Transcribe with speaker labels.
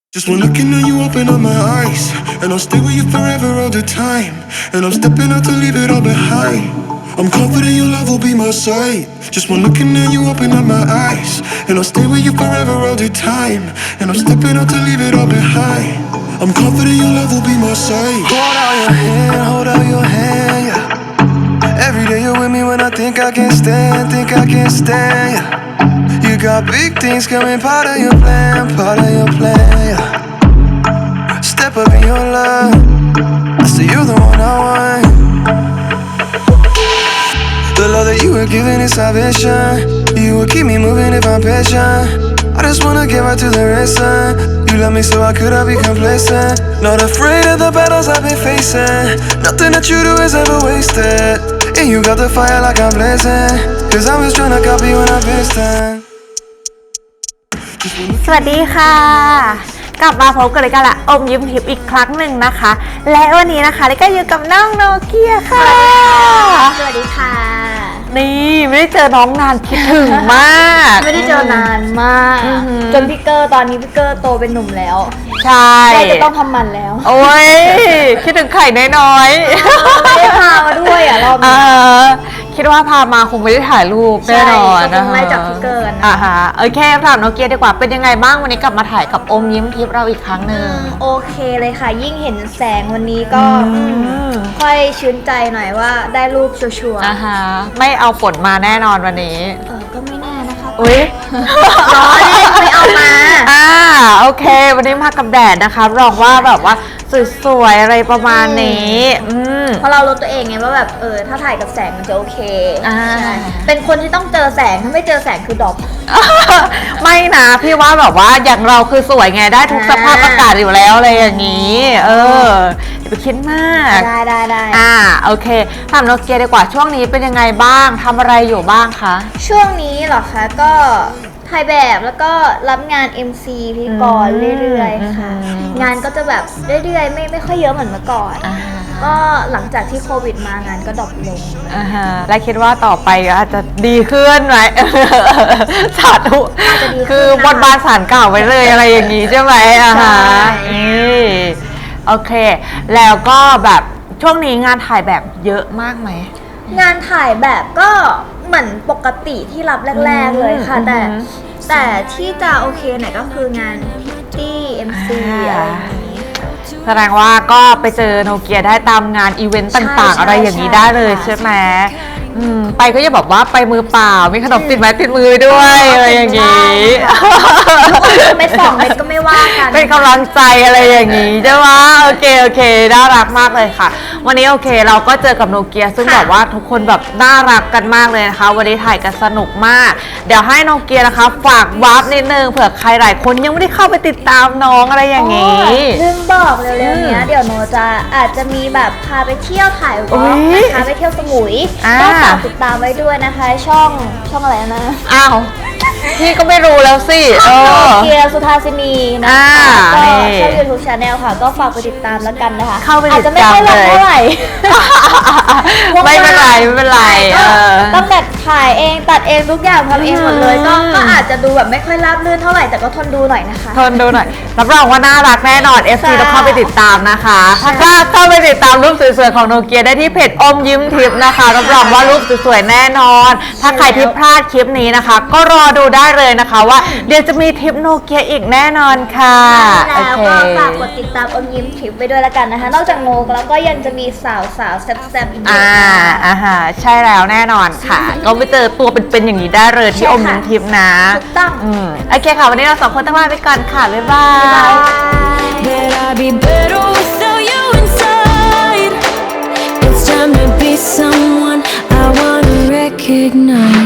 Speaker 1: Just one looking at you open up my eyes, and I'll stay with you forever all the time. And I'm stepping out to leave it all behind. I'm confident your love will be my side. Just one looking at you open up my eyes, and I'll stay with you forever all the time. And I'm stepping out to leave it all behind. I'm confident your love will be my side. Hold out your hand, hold out your hand, yeah. Every day you're with me when I think I can't stand, yeah. You got big things coming, part of your plan, yeah. Step up in your love, I say you're the one I want. The love that you were giving is salvation. You will keep me moving if I'm patient. I just wanna get right to the racing. You love me so I could have be complacent. Not afraid of the battles I've been facing. Nothing that you do is ever wasted. And you got the fire like I'm blazing. Cause I'm just tryna copy when I'm pasting.
Speaker 2: สวัสดีค่ะกลับมาพบกันเลยกันละอมยิ้มทิพย์อีกครั้งหนึ่งนะคะและวันนี้นะคะลิก็อยู่กับน้องโนเกียค่ะ
Speaker 3: สวัสดีค่ะ
Speaker 2: นี่ไม่ได้เจอน้องนานคิดถึงมาก
Speaker 3: ไม่ได้เจอนานมากจนพี่เกอร์ตอนนี้พี่เกอร์โตเป็นหนุ่มแล้ว
Speaker 2: ใช่
Speaker 3: จะต้องทำมันแล้ว
Speaker 2: โอ้ยคิดถึงไข่น้อย
Speaker 3: ๆไม่ได้พามาด้วยรอบนี้
Speaker 2: คิดว่าพามาคงไม่ได้ถ่ายรูปแน่นอน
Speaker 3: นะคะไม่จากพี่เกอร์นะ
Speaker 2: โอเคถามโนเกียดีกว่าเป็นยังไงบ้างวันนี้กลับมาถ่ายกับอมยิ้มทิพย์เราอีกครั้งหนึ่ง
Speaker 3: โอเคเลยค่ะยิ่งเห็นแสงวันนี้ก็ค่อยชื่นใจหน่อยว่าได้รูปชัวร์
Speaker 2: ไม่เอาฝนมาแน่นอนวันนี้
Speaker 3: ก็ไม่แน่นะคะ
Speaker 2: อุ้ย
Speaker 3: ร้อนไม่เอามา
Speaker 2: โอเควันนี้มากับแดดนะคะรองว่าแบบว่าสวยๆอะไรประมาณนี้
Speaker 3: เพราะเรารู้ตัวเองไงว่าแบบถ้าถ่ายกับแสงมันจะโอเคใช่เป็นคนที่ต้องเจอแสงถ้าไม่เจอแสงคือดรอป
Speaker 2: ไม่นะพี่ว่าแบบว่าอย่างเราคือสวยไงได้ทุกสภาพอากาศอยู่แล้วอะไรอย่างนี้อย่าไปคิดมาก
Speaker 3: ได้
Speaker 2: โอเคถามโนเกียดีกว่าช่วงนี้เป็นยังไงบ้างทำอะไรอยู่บ้างคะ
Speaker 3: ช่วงนี้เหรอคะก็ถ่ายแบบแล้วก็รับงาน MC พิธีกรเรื่อยๆค่ะงานก็จะแบบเรื่อยๆไม่ค่อยเยอะเหมือนเมื่อก่อนก็หลังจากที่โควิดมางานก็ดรอปลง
Speaker 2: และคิดว่าต่อไปอาจจะดีขึ้นไหมสาธุคือบนบานสารเก่าไว้เลยอะไรอย่างนี้ใช่ไหมโอเคแล้วก็แบบช่วงนี้งานถ่ายแบบเยอะมากไหม
Speaker 3: งานถ่ายแบบก็เหมือนปกติที่รับแรกๆเลยค่ะแต่ที่จะโอเคหน่อยก็คืองานพิตตี้ MC อะไรอย่างนี้
Speaker 2: แสดงว่าก็ไปเจอโนเกียได้ตามงานอีเวนต์ต่างๆอะไรอย่างนี้ได้เลยใช่ไหมไปก็จะบอกว่าไปมือเปล่ามีขนมติดไม้ติดมือด้วยอะไรอย่างนี้
Speaker 3: ไม่2 เม็ดก็ไม่ว่ากัน
Speaker 2: เป็นกำลังใจอะไรอย่างนี้ใช่ไหมโอเคน่ารักมากเลยค่ะวันนี้โอเคเราก็เจอกับโนเกียซึ่งแบบว่าทุกคนแบบน่ารักกันมากเลยนะคะวันนี้ถ่ายกันสนุกมากเดี๋ยวให้โนเกียนะคะฝากวาร์ปนิดนึงเผื่อใครหลายคนยังไม่ได้เข้าไปติดตามน้องอะไรอย่างนี้
Speaker 3: ลืมบอกเร็วๆนี้เดี๋ยวโนจะอาจจะมีแบบพาไปเที่ยวถ่ายวอล์กพาไปเที่ยวสมุยก็ฝากติดตามไว้ด้วยนะคะช่องอะไรนะ
Speaker 2: พี่ก็ไม่รู้แล้วสิ
Speaker 3: เกียร์สุธาสินีนะคะก็ช่อง YouTube Channel ค่ะก็ฝากไปติดตามแล้วกันนะคะอาจจะไม่ค่อยลงเท่าไหร่
Speaker 2: ไม่เป็นไร
Speaker 3: ต้องแบบถ่ายเองตัดเองทุกอย่างทำเองหมดเลยก็อาจจะดูแบบไม่ค่อยราบรื่นเท่าไหร่แต่ก็ทนดูหน่อยนะคะ
Speaker 2: ทนดูหน่อยรับรองว่าน่ารักแน่นอน FC ต้องเข้าไปติดตามนะคะถ้าเข้าไปติดตามรูปสวยๆของโนเกียได้ที่เพจอมยิ้มทิพย์นะคะรับรองว่ารูปสวยๆแน่นอนถ้าใครที่พลาดคลิปนี้นะคะก็รอดูได้เลยนะคะว่าเดี๋ยวจะมีทิปโนเกียอีกแน่นอนค่ะ
Speaker 3: แล้วก็ฝากกดติดตามอมยิ้มทิปไปด้วยละกันนะคะนอกจากโนแล้วก็ยังจะมีสาวแซ่บๆอีก
Speaker 2: ใช่แล้วแน่นอนค่ะก็ไปเจอตัวเป็นๆอย่างนี้ได้เลยที่อมยิ้มทิปนะ
Speaker 3: ถูกต้อง
Speaker 2: โอเคค่ะวันนี้เรา2 คนต้องลาไปก่อนค่ะบ๊ายบาย